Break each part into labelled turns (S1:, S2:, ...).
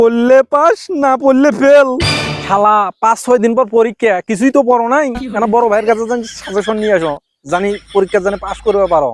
S1: পড়লে পাস না পড়লে ফেল। শালা 5-6 দিন পর পরীক্ষা, কিছুই তো পড়ো নাই। কেন বড় ভাইয়ের কাছে জানি সাজেশন নিয়ে আসো, জানি পরীক্ষা জানি পাস করতে পারো।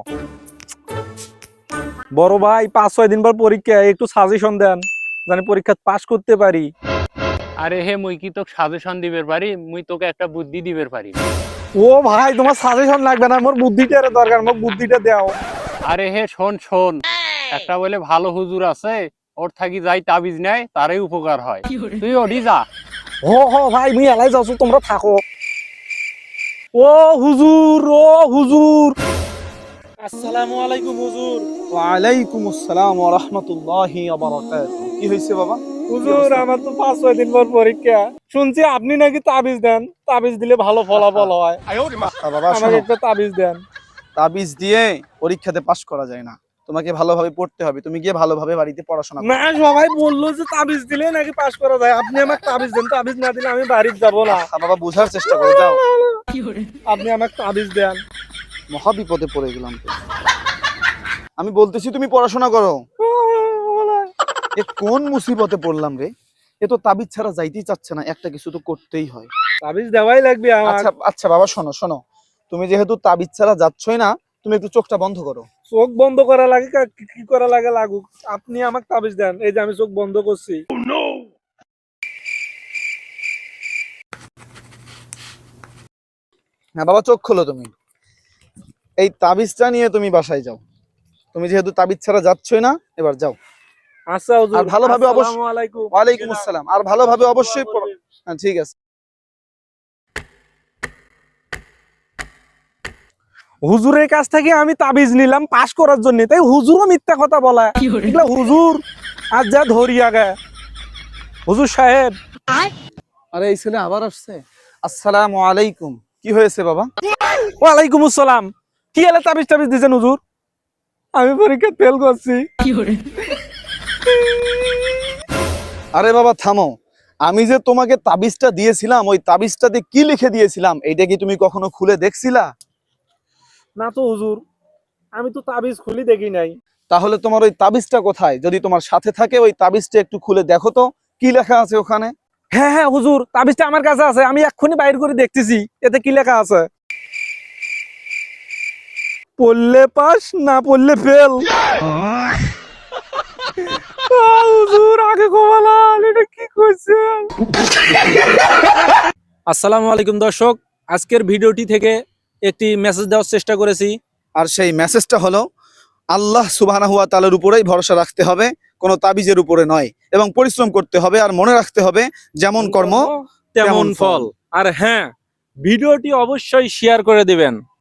S1: বড় ভাই 5-6 দিন পর পরীক্ষা, একটু সাজেশন দেন জানি পরীক্ষা পাস করতে পারি।
S2: আরে হে মুই কি তোকে সাজেশন দিবের পারি, মুই তোকে একটা বুদ্ধি দিবের পারি।
S1: ও ভাই তোমার সাজেশন লাগবে না, মোর বুদ্ধিটা দরকার, মোর বুদ্ধিটা দাও।
S2: আরে হে শোন শোন, একটা বলে ভালো হুজুর আছে, ওর থাকি যাই তাবিজ নেয় তারই উপকার হয়, তুই ওডি যা।
S1: ও ভাই মুই এলাই যাচ্ছ, তোমরা থাকো। ও হুজুর, ও হুজুর।
S3: আসসালামু আলাইকুম হুজুর।
S4: ওয়ালাইকুম আসসালাম ওয়া রাহমাতুল্লাহি ওয়া বারাকাতুহু। কি হইছে বাবা?
S1: হুজুর আমার তো 5-6 দিন পর পরীক্ষা, শুনছি আপনি নাকি তাবিজ দেন, তাবিজ দিলে ভালো ফলাফল হয়।
S4: বাবা
S1: আমাকে
S4: শোনো,
S1: একটা তাবিজ দেন।
S4: তাবিজ দিয়ে পরীক্ষাতে পাশ করা যায় না। তোমাকে ভালোভাবে পড়তে হবে, তুমি গিয়ে ভালোভাবে বাড়িতে পড়াশোনা করো।
S1: না সবাই বললো যে তাবিজ দিলে নাকি পাস করা যায়, আপনি আমাকে তাবিজ দেন, তাবিজ না দিলে আমি বাড়িতে যাব না।
S4: বাবা বুঝার চেষ্টা করো, যাও।
S1: আপনি আমাকে তাবিজ দেন।
S4: মহা বিপদে পড়ে গেলাম তো। আমি বলতেছি তুমি পড়াশোনা করো। এ কোন মুসিবতে পড়লাম রে? এ তো তাবিজ ছাড়া যাইতেই চাচ্ছে না, একটা কিছু তো করতেই হয়।
S1: তাবিজ দেওয়াই লাগবে আমার।
S4: আচ্ছা আচ্ছা বাবা শোনো শোনো, তুমি যেহেতু তাবিজ ছাড়া যাচ্ছই না, তুমি একটু চোখটা বন্ধ করো।
S1: চোখ বন্ধ করা লাগে, কি করা লাগে লাগুক, আপনি আমাকে তাবিজ দেন। এই যে আমি চোখ বন্ধ করছি।
S4: হ্যাঁ বাবা, চোখ খোলো তুমি। এই তাবিজটা নিয়ে তুমি বাসায় যাও। তুমি যেহেতু তাবিজ ছাড়া যাচ্ছই না, এবার যাও।
S1: আচ্ছা হুজুর,
S4: আর ভালোভাবে
S1: আসসালামু আলাইকুম।
S4: ওয়ালাইকুম আসসালাম। আর ভালোভাবে অবশ্যই পড়ো। হ্যাঁ ঠিক আছে।
S1: হুজুরের কাছ থেকে আমি তাবিজ নিলাম পাস করার জন্য, তাই হুজুরও মিথ্যা কথা বলা। এগুলা হুজুর আজ যা ধরিয়া গে। হুজুর সাহেব।
S4: আরে এই ছেলে আবার আসছে। আসসালামু আলাইকুম। কি হয়েছে বাবা?
S1: ওয়ালাইকুম আসসালাম। কি এলে তাবিজ টাবিজ দিছেন হুজুর? আমি পরীক্ষা ফেল করছি।
S4: আরে বাবা থামো। আমি যে তোমাকে তাবিজটা দিয়েছিলাম, ওই তাবিজটাতে কি লিখে দিয়েছিলাম এইটা কি তুমি কখনো খুলে দেখছিলা?
S1: না তো হুজুর, আমি তো তাবিজ খুলি দেখি নাই।
S4: তাহলে তোমার ওই তাবিজটা কোথায়? যদি তোমার সাথে থাকে ওই তাবিজটা একটু খুলে দেখো তো, কি লেখা আছে ওখানে।
S1: হ্যাঁ হ্যাঁ হুজুর, তাবিজটা আমার কাছে আছে, আমি এক্ষুনি বাইর করে দেখতেছি। এতে কি লেখা আছে? পড়লে পাস না পড়লে ফেল। হুজুর আগে কমালাম, এটা কি করছেন? আসসালামু আলাইকুম দর্শক, আজকের ভিডিওটি থেকে একটি মেসেজ দেওয়ার চেষ্টা করেছি।
S4: আর সেই মেসেজটা হলো, আল্লাহ সুবহানাহু ওয়া তাআলার উপরেই ভরসা রাখতে হবে, কোনো তাবিজের উপরে নয়। এবং পরিশ্রম করতে হবে, আর মনে রাখতে হবে যেমন কর্ম
S1: তেমন ফল। আর হ্যাঁ, ভিডিওটি অবশ্যই শেয়ার করে দিবেন।